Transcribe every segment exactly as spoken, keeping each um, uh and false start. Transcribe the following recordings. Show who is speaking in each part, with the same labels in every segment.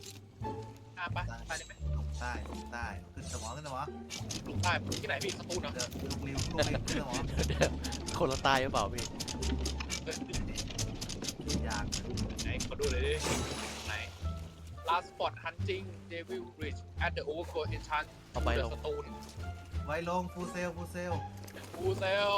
Speaker 1: อ่ะไปไปได้ไหม
Speaker 2: ลงใต้ลงใต้ขึ้นสมองขึ้นสมอง
Speaker 1: ลงใต้ที่ไหนพี่สตูลเนาะ
Speaker 2: เดี๋ยวลูกริ้วลูกริ้วขึ้นสมอง
Speaker 3: เดี๋ยวคนละตายหรือเปล่าพี่
Speaker 2: ยาก
Speaker 1: ไหนขอดูเลยดิไหน last spot hunting devil bridge at the overgrown enchant
Speaker 3: เอาไปลง
Speaker 1: สตูล
Speaker 2: ไว้ลงฟูเซลฟูเซล
Speaker 1: ฟูเซล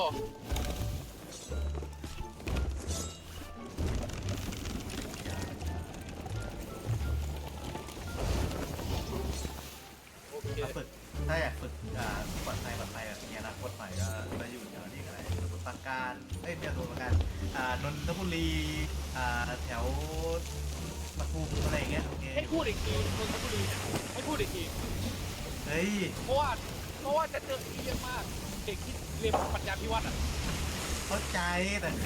Speaker 1: โอเค
Speaker 2: มาฝึกถ้าอยากฝึกอ่าปลอดภัยปลอดภัยแบบนี้นะโคตรใหม่ก็ไปอยู่แถวนี้อะไรสมุทรปราการเอ้ยไม่ใช่สมุทรปราการอ่านนทบุรีอ่าแถวปทุมอะไรอย่างเงี้ยโอเค
Speaker 1: ให้พูดอีกทีนนทบุรีเนี่ยให้พูดอีกที
Speaker 2: เฮ้ย
Speaker 1: เพราะว่าเพราะว่าจะเจอที่เยอะมากเด็กที่เรียนปัญญาพิวัตรอ่ะ
Speaker 2: เข้าใจแต่คือ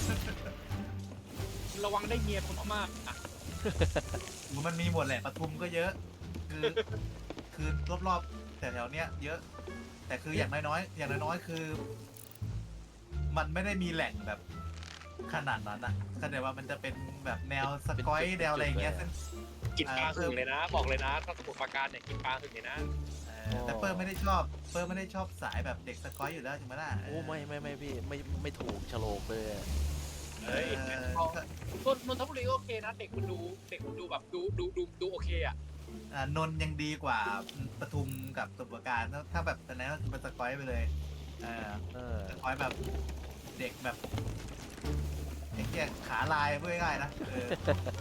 Speaker 1: ระวังได้เมียคนพม่าอ่ะ
Speaker 2: มันมีหมดแหละปทุมก็เยอะ คือคือรอบๆแต่แถวๆเนี้ยเยอะ แต่คืออย่างน้อยๆอย่างน้อยๆคือ มันไม่ได้มีแหล่งแบบขนาดนั้นอะเข้าใจว่ามันจะเป็นแบบแนวสกอยแนวอะไรอย่างเงี้ยซึ่ง
Speaker 1: กินปลาหึงเลยนะ บอกเลยนะถ้าสมุทรปราการเนี่ยกินปลาหึงเลยนะ
Speaker 2: เออแต่เปิ้ลไม่ได้ชอบเปิ้ลไม่ได้ชอบสายแบบเด็กสกอยอยู่แล้วจริงไหมล่ะ
Speaker 3: โอ้ไม่ไม่ไม่พี่ไม่ไม่ถูกฉลกเลยอะ
Speaker 2: เอ
Speaker 1: เฮ้ย
Speaker 2: อ
Speaker 1: เอานนนนทบุรีก็โอเคนะเด็กมันดูเด็กมันดูแบบดูดูดูดูโอเคอ่ะ
Speaker 2: อ่านนท์ยังดีกว่าปทุมกับสมุทรปราการถ้าถ้าแบบตอนนั้นก็คือเป็นสกอยไปเลยเออ
Speaker 3: เออ
Speaker 2: สกอยแบบเด็กแบบไอ้เหี้ยขาลายพูดง่ายๆนะเออ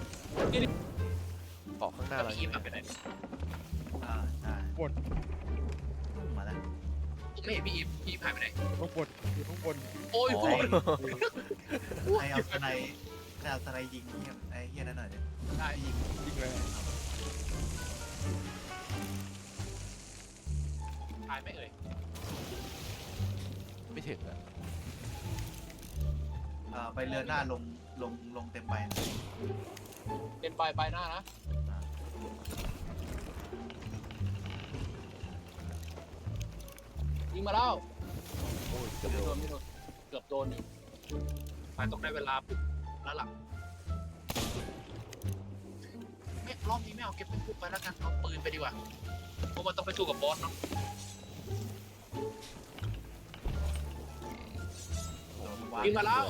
Speaker 3: เกาะข้างหน้า
Speaker 1: แล้ว
Speaker 3: เรา
Speaker 1: พี่อีฟอะไปไหน
Speaker 2: อ่าใช่
Speaker 4: บน
Speaker 2: มาแล้ว
Speaker 1: ผมไม่เห็นพี่อีฟพี่อีฟหายไปไหน
Speaker 4: ข้างบนอยู่ข้างบน
Speaker 1: โอ้ย
Speaker 3: อ๋อ
Speaker 1: โอ้ย
Speaker 2: ใครเอาสไนใครเอาสไนยิงเหี้ยไอ้เหี้ยนั่นหน่อยดิ
Speaker 1: ได้
Speaker 2: ยิง
Speaker 4: จริงเลย
Speaker 1: หายไหมเอ่ย
Speaker 3: ไม่ถึงอะ
Speaker 2: เอ่อไปเรือหน้าลงลงลงเต็มใบ
Speaker 1: เป็นปลายปลายหน้านะยิงมาแล้ว
Speaker 3: โอ้ยเกือบ
Speaker 1: ไม่
Speaker 3: โด
Speaker 1: โด
Speaker 3: น
Speaker 1: นไม่โดนเกือบโดนอยู่ไปต้องได้เวลาปุ๊บแล้วล่ะไม่รอบนี้ไม่เอาเก็บเป็นปุ๊บไปแล้วกันเอาปืนไปดีกว่าเพราะมันต้องไปสู้กับบอสเนาะ ยิงมาแล้ว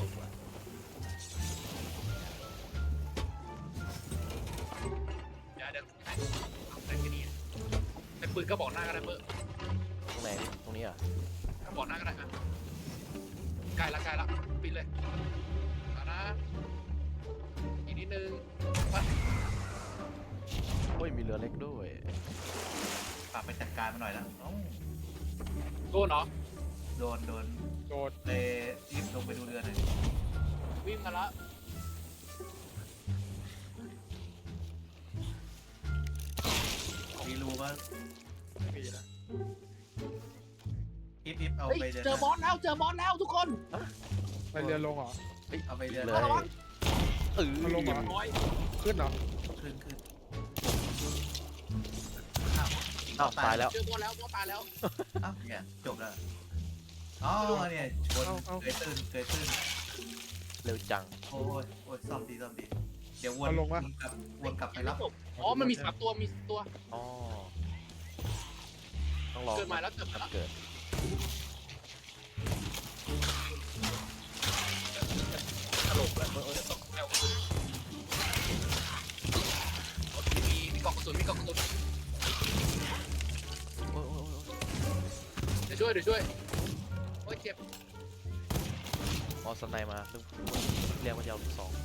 Speaker 1: เดี๋ยวเดี๋ยวไหนเอาไหนกันดีไอ้ปืนก็บอกหน้าก็ได้เบอร์
Speaker 3: ตรงไหนตรงนี้อ่ะ
Speaker 1: ก็บอกหน้าก็ได้ครับใกล้ละใกล้ละปิดเลยเอานะอีกนิดนึงไป
Speaker 3: โอ้ยมีเรือเล็กด้วย
Speaker 2: ฝากไปจัดการมาหน่อยแล้วเอ้า
Speaker 1: โดนเหรอ
Speaker 2: โดนโดน
Speaker 4: โดน
Speaker 2: เลยรีบลงไปดูเรือหน่อย
Speaker 1: วิ่งมาละ
Speaker 2: มีรูก็
Speaker 4: ไม่มีนะ
Speaker 2: อิฟอิฟเอา
Speaker 1: เฮ้ย
Speaker 2: ไปเรือ
Speaker 1: เจอบอสแล้วเจอบอสแล้วทุกคน
Speaker 4: ไปเรือลงเหรอ
Speaker 2: เอาไปเรือ
Speaker 3: เลย
Speaker 1: ระวัง
Speaker 3: เออ
Speaker 4: มันลงมา
Speaker 1: ร้อย
Speaker 4: ขึ้นเหรอ
Speaker 2: ขึ้นขึ้นอ้าว
Speaker 3: อ้าวตายแล้ว
Speaker 1: เจอบอสแล้วบอสตายแล้ว
Speaker 2: อ้าวเนี่ยจบแล้วอ๋อเนี่ยชนเกยตื้นเกยตื้น
Speaker 3: เร็วจัง
Speaker 2: โอ้ยโอ้ยซ่อมดีซ่อมดีเดี๋ยววนวนกลับวนกลับไปรับ
Speaker 1: อ๋อมันมีสามตัวมีตัว
Speaker 3: อ๋อต้องรอ
Speaker 1: เกิดใหม่แล้วเกิดใหม่แล้ว
Speaker 3: เกิด
Speaker 1: ตลกแล้วเออตกแล้วมีมีกล่องกระสุนมีกล่องกระสุน
Speaker 3: โอ้ยโอ้ยโอ้ย
Speaker 1: เดี๋ยวช่วยเดี๋ยวช่วยโอ้ยเจ็บ
Speaker 3: ออสไนมาซึ่งเรียกว่าจะเอาลูกสอง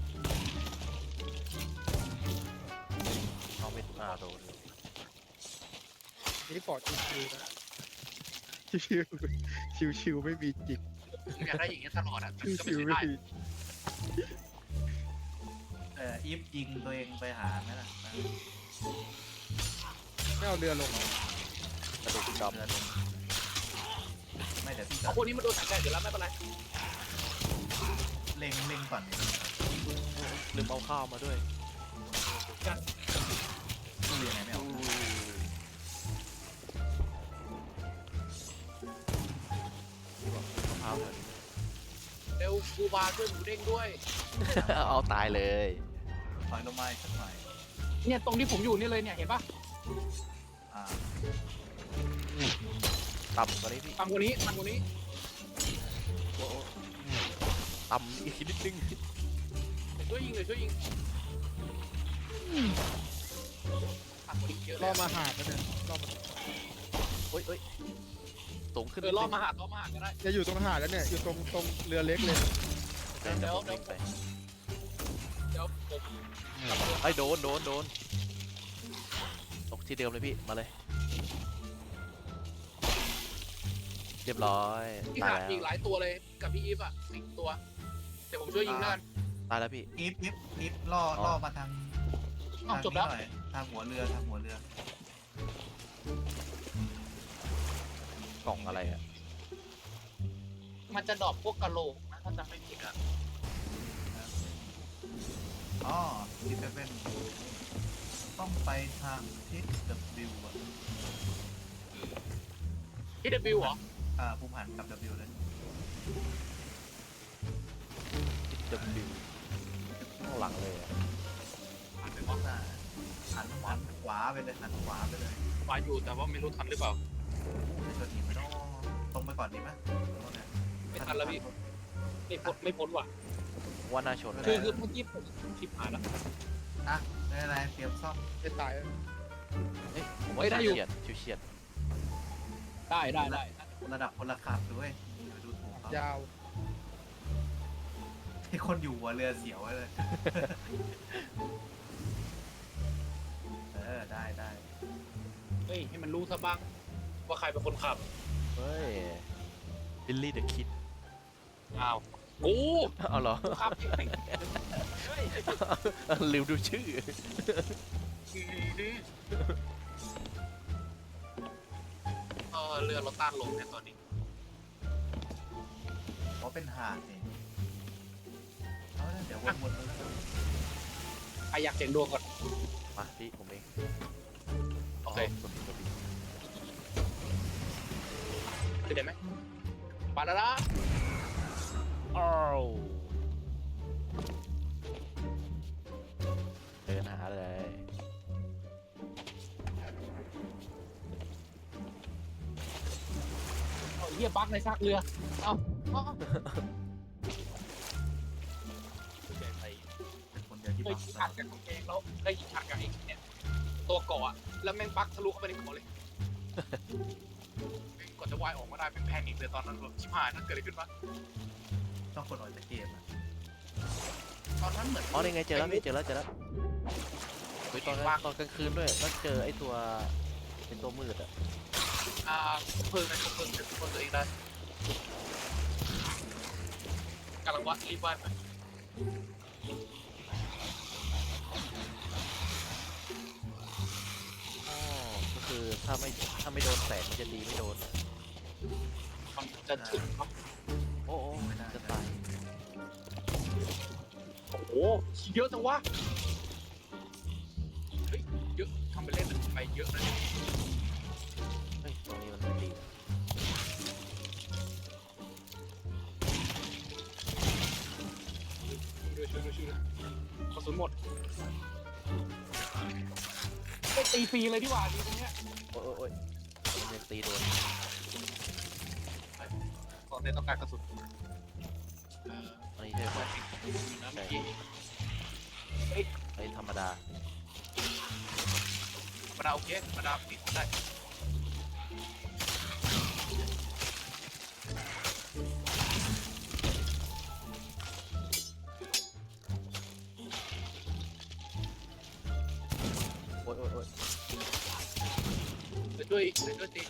Speaker 3: เอาไม่อ่าโดน
Speaker 4: นี่ปอดชิวๆนะชิวๆชิวๆไม่มีจิก
Speaker 1: ผมอยากได้อย่างเงี้ยตลอดอ่ะมันก็ไม่
Speaker 4: ชิวๆ
Speaker 1: ใช่
Speaker 4: ไม่
Speaker 1: ได้
Speaker 4: มี
Speaker 2: เอ่ออีฟยิงตัวเองไปหาไหมล่ะ
Speaker 4: ไม่เอาเรือลงเหรอก
Speaker 3: ระดูกด
Speaker 2: เรือลงไม่เดี๋ยวพี่
Speaker 1: เอาพวกนี้มาโดนถังแดดเดี๋ยวแล้วไม่เป็นไร
Speaker 2: เล็งเล็งก่อน
Speaker 3: ำลืมเอาข้าวมาด้วย
Speaker 1: กัน
Speaker 2: เรือไหนไม่เอา
Speaker 3: อู้มะพร้าวเลย
Speaker 1: เร็วกูบาช่วยหมูเด้งด้วย
Speaker 3: เอาตายเลย
Speaker 2: ถอยลงมาอีกสักหน่อย
Speaker 1: ถเนี่ยตรงที่ผมอยู่นี่เลยเนี่ยเห็นปะ
Speaker 2: อ่า
Speaker 3: ต่ำกว่านี้พี่
Speaker 1: ตามคนนี้ตามคนนี้
Speaker 3: โอ้โอ้ต่ำอีกนิดนึง
Speaker 1: เดี๋ยวช่วยยิงเดี๋ยวช่วยยิงตามคนนี้เยอะเล
Speaker 4: ล่อย มาหาดนะเนี่ยล่อมา
Speaker 3: โอ้ยโอ้ยสูงขึ้น
Speaker 1: เออล่อมาหาล่อมาหาก็ได้
Speaker 4: จะอยู่ตรงหาดแล้วเนี่ยอยู่ตรงตรงเรือเล็กเลย
Speaker 3: เดี๋ยว
Speaker 1: เดี๋ยว
Speaker 3: ผมวิ่งไป
Speaker 1: เดี๋ยวผม
Speaker 3: ไอ้ยโดนโดนโดนตกที่เดิมเลยพี่มาเลย เรียบร้อย
Speaker 1: พี่
Speaker 3: ตาย
Speaker 1: หา
Speaker 3: แล้ว
Speaker 1: อีกหลายตัวเลยกับพี่อีฟอ่ะสิบตัวเดี๋ยวผมช่วยยิงนั่น
Speaker 3: ตายแล้วพี่
Speaker 2: อีฟอีฟอีฟล่อ
Speaker 3: อ๋อ
Speaker 2: ล่อมาทาง
Speaker 1: อ้าว
Speaker 2: ทาง
Speaker 1: จบแล้ว
Speaker 2: นี้หน่อยทางหัวเรือทางหัวเรือ
Speaker 3: กล่องอะไรอ่ะ
Speaker 1: มันจะดรอปพวกกะโหลกนะถ้าจำไม่ผิดอ่ะ
Speaker 2: อ๋อที่จะเป็นต้องไปทางทิศ W อ่ะ
Speaker 1: ที่เดบิวเหรอ
Speaker 2: อ่าภูมิหันกับ W เลย
Speaker 3: จะบิวข้างหลังเลยอะ
Speaker 1: อ่านไปว่า
Speaker 2: อ่าหันหันขวาไปเลยหันขวาไปเลย
Speaker 1: มาอยู่แต่ว่าไม่รู้ทันหรือเปล่า
Speaker 2: จะชนหินไม่ต้องตรงไปก่อนดีไหม
Speaker 1: ไม่ทันแล้วพี่ไม่พ้นไม่พ้นว่ะ
Speaker 3: ว่าน่าชน
Speaker 1: คือคือเมื่อกี้ผมชิบหายแล้ว
Speaker 2: อ่ะไม่เป็นไรเตรียมซ่อม
Speaker 4: จะตายแล้ว
Speaker 3: เอ้ยผม
Speaker 1: เฮ้
Speaker 3: ว่าย
Speaker 1: ได้อยู่
Speaker 3: เฉียดชิวเฉียด
Speaker 1: ได้ได้ได้
Speaker 2: ระดับคนละขับด้วยอย่าไปดูถูกเขา
Speaker 4: ยาว
Speaker 2: ให้คนอยู่หัวเรือเสียวไว้เลย เออได้ได้
Speaker 1: เฮ้ยให้มันรู้ซะบ้างว่าใครเป็นคนขับ
Speaker 3: เฮ้ยบิลลี่เดอะคิด
Speaker 1: อ้าวกู
Speaker 3: เอาเหรอ
Speaker 1: ขับเองเฮ้ย
Speaker 3: ลืมดูชื่อ
Speaker 1: เออเรือเราต้านลมเนี่ยตอนนี้
Speaker 2: เพราะเป็นหาดนี่เอาละเดี๋ยววนวนๆแล้ว
Speaker 1: ใครอยากเสียงดวงก่อน
Speaker 3: มาพี่ผมเอง
Speaker 1: โอเค
Speaker 3: สุดสุด
Speaker 1: ขึ้นได้ไหมปาดาดา
Speaker 3: อ้าวเดินหาเลย
Speaker 1: เอาเหี้ยบั๊กในซากเรือ เอาเอาเอา
Speaker 2: เป็นคนเดียวที่
Speaker 1: เคย
Speaker 2: บัง
Speaker 1: ยิงอัดกับตัวเองแล้วได้ยิงอัดกับไอ้เนี่ยตัวเกาะอะแล้วแม่งบั๊กทะลุเข้าไปในเกาะเลยแม่งกว่าจะวายออกมาได้เป็นแพนิคเลยตอนนั้นแบบชิบหายนั่นเกิดอะไรขึ้นวะ
Speaker 2: ต้องคนออกจากเกมอ่ะ
Speaker 1: ตอนนั้นเหมือน
Speaker 3: อ๋อนี่ไงเจอแล้วพี่เจอแล้วเจอแล้วเฮ้ยตอนนั้นตอนกลางคืนด้วยแล้วเจอไอ้ตัวเป็นตัวมืดอ่ะ
Speaker 1: อ่าเพลิงนะเพลิงเป็นคนตัวเองได้กำลังวัดรีบวัดไป
Speaker 3: อ๋อก็คือถ้าไม่ถ้าไม่โดนแสงมันจะดีไม่โดน
Speaker 1: มันจะถึงเนอะ
Speaker 3: โอ้โอ้จะตาย
Speaker 1: โอ้โหเยอะจังวะเฮ้ยเยอะทำไปเล่นไปเยอะนะเนี่ย
Speaker 3: เฮ้ยตรงนี้มันไม่ดี
Speaker 1: ช่วยช่วยช่วยช่วยกระสุนหมดได้ตีฟรีเลยดีกว่าดีตรงเนี้ย
Speaker 3: โอ้ยโอ้ยโอ้ยมันยังตีโดน
Speaker 1: ตอนนี้ต้องการกระสุนเออ
Speaker 3: อันนี้ใช่ไหม
Speaker 1: นะเมื่อกี้
Speaker 3: ไอ้ธรรมดา
Speaker 1: ธรรมดาโอเคธรรมดาปิดได้
Speaker 3: โอ้ยโอ้ยโอ้ย
Speaker 1: เดี๋ยวช่วยเดี๋ยวช่วยตี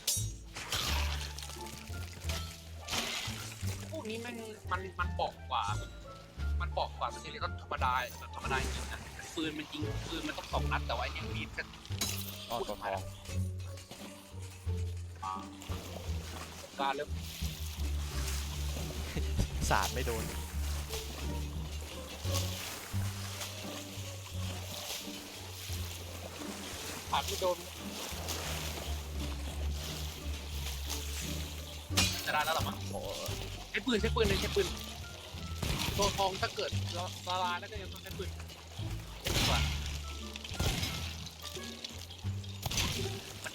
Speaker 1: พวกนี้แม่งมันมันปอกกว่า มันปอกกว่าสเตเลก็ธรรมดาแบบธรรมดาจริงนะปืนมันจริงปืนมันต้องสองนัดแต่ว่าไอ้เนี่ยมีดก็
Speaker 3: อ๋อตัวทอง
Speaker 1: การเริ่ม
Speaker 3: สาดไม่โดน
Speaker 1: ผ่านไม่โดนจะได้แล้วหรอมั้ง
Speaker 3: โอ้ย
Speaker 1: ใช้ปืนใช้ปืนเลยใช้ปืนตัวทองถ้าเกิดละลายแล้วก็ยังต้องใช้ปืนดีกว่า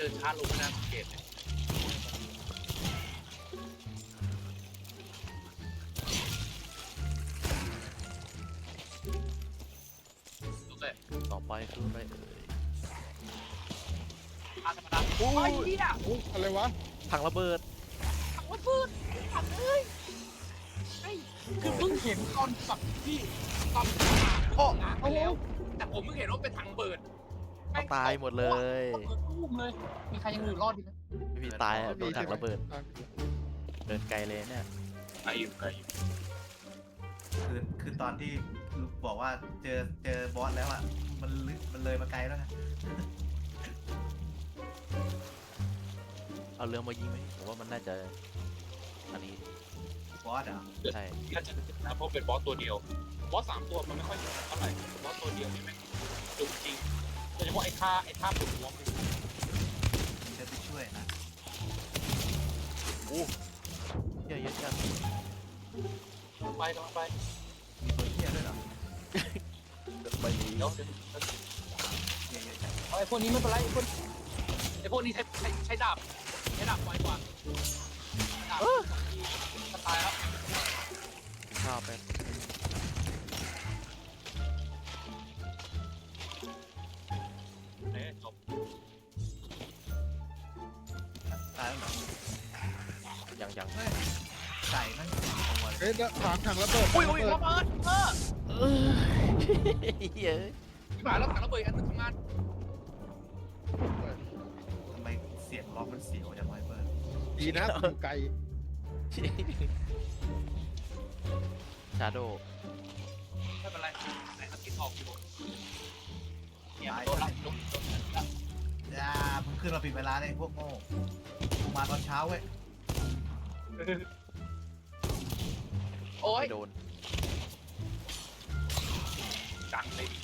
Speaker 1: ดินช้าลงไม่น่าสังเกตเลยโอเค
Speaker 3: ต่อไปคืออะไรเอ่ย
Speaker 1: อาธรรมดาโอ้ยเหี้ย
Speaker 4: อุ๊ยอะไรวะ
Speaker 3: ถังระเบิด
Speaker 1: ถังระเบิดถังเลยไอ้คือเพิ่งเห็นตอนแบบที่ตอนโอ้นะไปแล้ว แต่ผมเพิ่งเห็นว่าเป็นถังระเบิด
Speaker 3: เอาตายหมดเลย
Speaker 1: ระเบิดตุ้มเลย มีใครยังอยู่รอดดีไหม
Speaker 3: ไม่มีตายอ่ะโดนถังระเบิดเดินไกลเลยเนี่ย
Speaker 1: ไกลอยู่ไกลอยู่
Speaker 2: คือคือตอนที่บอกว่าเจอเจอบอสแล้วอ่ะมันลึกมันเลยมาไกลแล้วไง
Speaker 3: เอาเรือมายิงไหมผมว่ามันน่าจะอันนี้
Speaker 2: บอสเหรอ
Speaker 3: ใช่
Speaker 1: น่าจะนะเพราะเป็นบอสตัวเดียว บอสสามตัวมันไม่ค่อยเท่าไหร่บอสตัวเดียวนี่แม่งจุกจริงโดยเฉพาะไอ้ท่าไอ้ท่าปลุกหัวมัน
Speaker 2: จะไปช่วยนะ
Speaker 3: เยอะเยอะจัง
Speaker 1: ไปกำลังไป
Speaker 2: มีตัวเหี้ยด้วยเหรอ
Speaker 3: ไม่มี
Speaker 1: เดี๋ยวเดี๋ยว
Speaker 2: เหี้ยเยอะจัง
Speaker 1: เอาไอ้พวกนี้ไม่เป็นไรไอ้พวกไอ้พวกนี้ใช้ใช้ใช้ดาบใช้ดาบไวกว่าดาบจะตายแล้ว
Speaker 3: ข้าวไป
Speaker 1: เอ๊ะจบ
Speaker 2: ตายแล้วเหรอ
Speaker 3: ยังยัง
Speaker 2: เฮ้ยไก่มันตัวเลย
Speaker 4: เฮ้ยถังถังระเบิด
Speaker 1: อุ้ย
Speaker 4: ถัง
Speaker 1: อุ้ย
Speaker 4: ระเบิ
Speaker 1: ระ
Speaker 4: ด
Speaker 1: เบิดเออ
Speaker 3: เออเฮ้ย
Speaker 1: ที่ผ่านแล้วถังระเบิดอันนึงทำงาน
Speaker 2: ทำไมเสียงร้องมันเสียวจังวะไอ้เบิร์ด
Speaker 4: ดีนะอยู่ไกล
Speaker 3: ชาโด
Speaker 1: ไม่เป็นไรไหนเอาติดออกอยู่เนี่ยมันโดนละโดนโดนละ
Speaker 2: อย่ามึงขึ้นมาผิดเวลาเลยพวกโง่มึงมาตอนเช้าเว้ย
Speaker 1: โอ้ย
Speaker 3: ไม่โดน
Speaker 1: ดังเลยดิ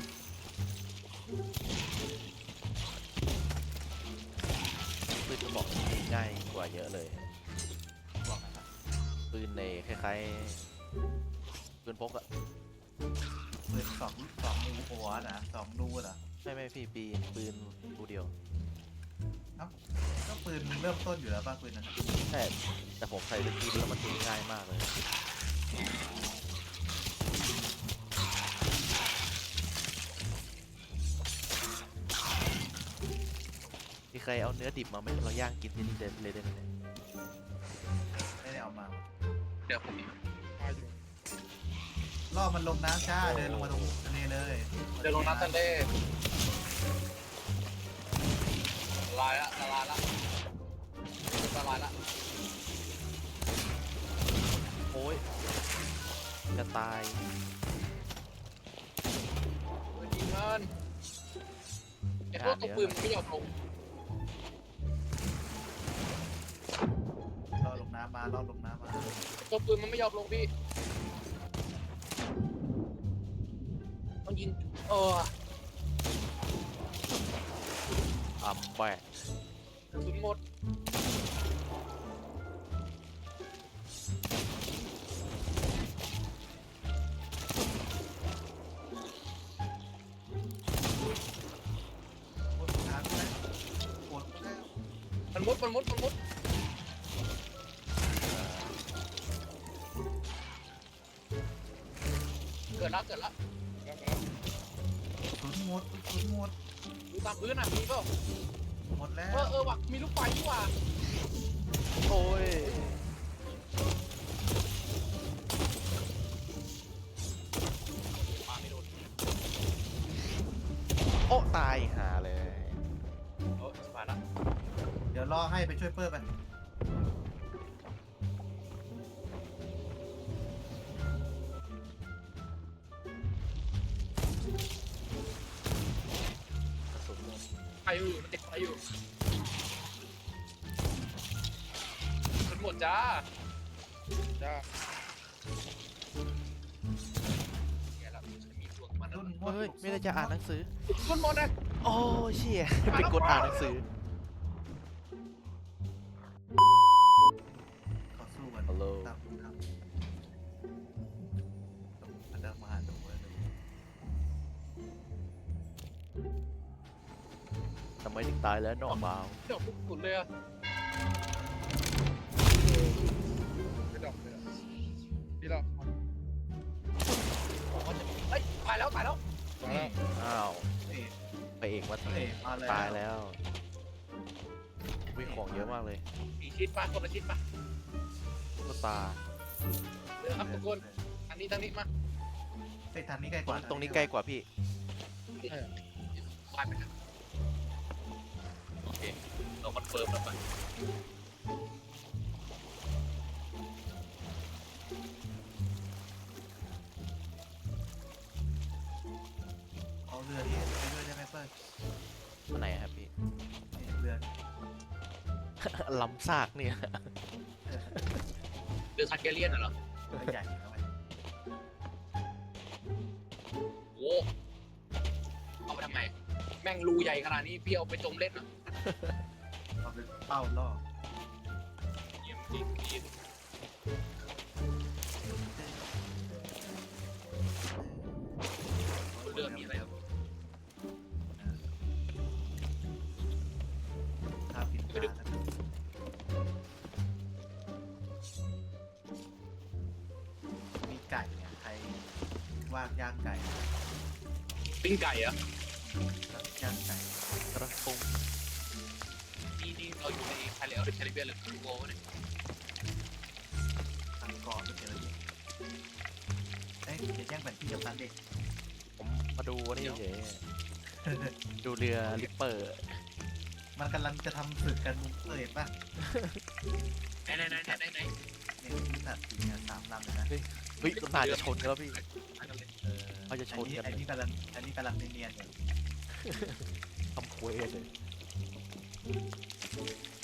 Speaker 3: ปืนกระบอกนี้ง่ายกว่าเยอะเลย
Speaker 2: บอกนะครับ
Speaker 3: ปืนในคล้ายๆปืนพกอะ
Speaker 2: ปืนสองสองนูหัวนะสองนูเหรอ
Speaker 3: ไม่ไม่พี่ปีนปืนดูเดียว
Speaker 2: ก็ปืนเริ่มต้นอยู่แล้วป่ะปืนนั้นน่ะ
Speaker 3: ใช่แต่ผมใส่สกิลแล้วมันตีง่ายมากเลยมีใครเอาเนื้อดิบมาไหมเราย่างกินที่นี่เลยได้ไหมเนี่ย
Speaker 2: ไม่ได้เอามา
Speaker 1: เดี๋ยวผม
Speaker 4: มาอยู่
Speaker 2: ล่อมันลงน้ำจ้าเดินลงมาตรงทะเลเลย
Speaker 1: เดี๋ยวลงน้ำทะเลละลายละละลายละละลายละ
Speaker 3: โอ้ยจะตาย
Speaker 1: เฮ้ยยิงมันไอ้พวกตัวปืนมันไม่ยอมลง
Speaker 2: ล่อลงน้ำมาล่อลงน้ำมา
Speaker 1: ตัวปืนมันไม่ยอมลงพี่ต้องยิงเออ
Speaker 3: อัมแบก
Speaker 1: กระสุนหมด
Speaker 2: ปวดน้ำแล้วปวดแล้ว
Speaker 1: มันมุดมันมุดมันมุดเกิดละเกิดละ
Speaker 4: แล้วแล้ว
Speaker 2: สุนหมดสุนหมด
Speaker 1: ดูตามพื้นอ่ะมีเปล่า
Speaker 2: หมดแล้
Speaker 1: เอ
Speaker 2: ว
Speaker 1: อเออว่ะมีลูกไฟนี่ว่ะ
Speaker 3: โอ้ย
Speaker 1: ปาไม่โดน
Speaker 3: โอ้ตายหาเลย
Speaker 1: เออสบายละ
Speaker 2: เดี๋ยวรอให้ไปช่วยเปิ้ลไป
Speaker 3: กระสุนหมด
Speaker 1: ไฟอยู่มันติดไฟอยู่มันหมดจ้า
Speaker 4: จ้า
Speaker 1: แกละฉันมีพวกมัน
Speaker 2: รุ่นหมด
Speaker 3: เฮ้ยไม่ได้จะอ่านหนังสือ
Speaker 1: มันหมดนะ
Speaker 3: โอ้เชี่ยไปกดอ่านหนังสือ
Speaker 2: เขาสู้กัน
Speaker 3: ฮัลโหล
Speaker 2: ตามครับอันเดอร์มาดูเลย
Speaker 3: ทำไมไมถึงตายแล้วน้องเบา
Speaker 1: เดี๋ยวสุดเลยอะ
Speaker 4: ไม่ดอกเลยอะพี่ดอก
Speaker 1: บอกว่าจะเฮ้ยตายแล้วตายแล้ว
Speaker 4: มาแล้ว
Speaker 3: อ้าว
Speaker 2: เอ๊ะ
Speaker 3: ไปเอกมา
Speaker 2: เอ๊ะมาแล้ว
Speaker 3: ตายแล้ววิ่งของเยอะมากเลย
Speaker 1: มีชิดปะคนละชิดปะ
Speaker 3: ก็ตา
Speaker 1: เดี๋ยวครับทุกคนทางนี้ทางนี้มา
Speaker 2: เอ้ยทางนี้ใกล้ก
Speaker 3: ตร
Speaker 2: ว่าง
Speaker 3: ตรงนี้ใกล้กว่าพี่
Speaker 1: ไปไปกันโอเคเราคอนเฟิร์มแล้วไป
Speaker 2: เอาเรือนี้ไปด้วยได้ไหมเปิ้ล
Speaker 3: อันไหนครับพี่
Speaker 2: นี่เรือ
Speaker 3: ลำซากเนี่ย
Speaker 1: เดือดซันเกเลียนเหรอ
Speaker 2: เรือใหญ่เอาไว้
Speaker 1: โอ้เอาไปทำไมแม่งรูใหญ่ขนาดนี้พี่เอาไปจมเล่นเหรอ
Speaker 2: เอาเป็นเป้าล่อ
Speaker 1: เยี่ยมจริงจริงเรือมีอะไรครับ
Speaker 2: ถ้าผิดพลาดนะครับมีไก่เนี่ยใครว่างย่างไก่
Speaker 1: ปิ้งไก่เหรอะ
Speaker 2: ย่างไก่
Speaker 3: กระทง
Speaker 1: นี่นี่เราอยู่ในไทยเลอหรือแคริบเบียนหรือคูโบเนี่ย
Speaker 2: ทางเกาะไม่เจอเลยเอ้ยอย่าแย่งแผนที่กับนั้นเด็ก
Speaker 3: ผมมาดูอันนี่เฉยดูเรือลิปเปอร์
Speaker 2: มันกำลังจะทำศึกกันมุกเอ่ยป่ะ
Speaker 1: ไหนไหนไหนไหนไหนไหน
Speaker 2: เนี่ยมีสัตว์สี่เนี่ยสามลำเลยนะ
Speaker 3: เฮ้ยก็น่าจะชนกันแล้วพี่
Speaker 1: อันนั้นเลย
Speaker 2: เออ
Speaker 3: เขาจะช
Speaker 2: อัน
Speaker 3: น
Speaker 2: นี้
Speaker 3: กัน
Speaker 2: อันนี้กำลังอันนี้กำลังเนียนๆอยู่
Speaker 3: ทำคุยเลย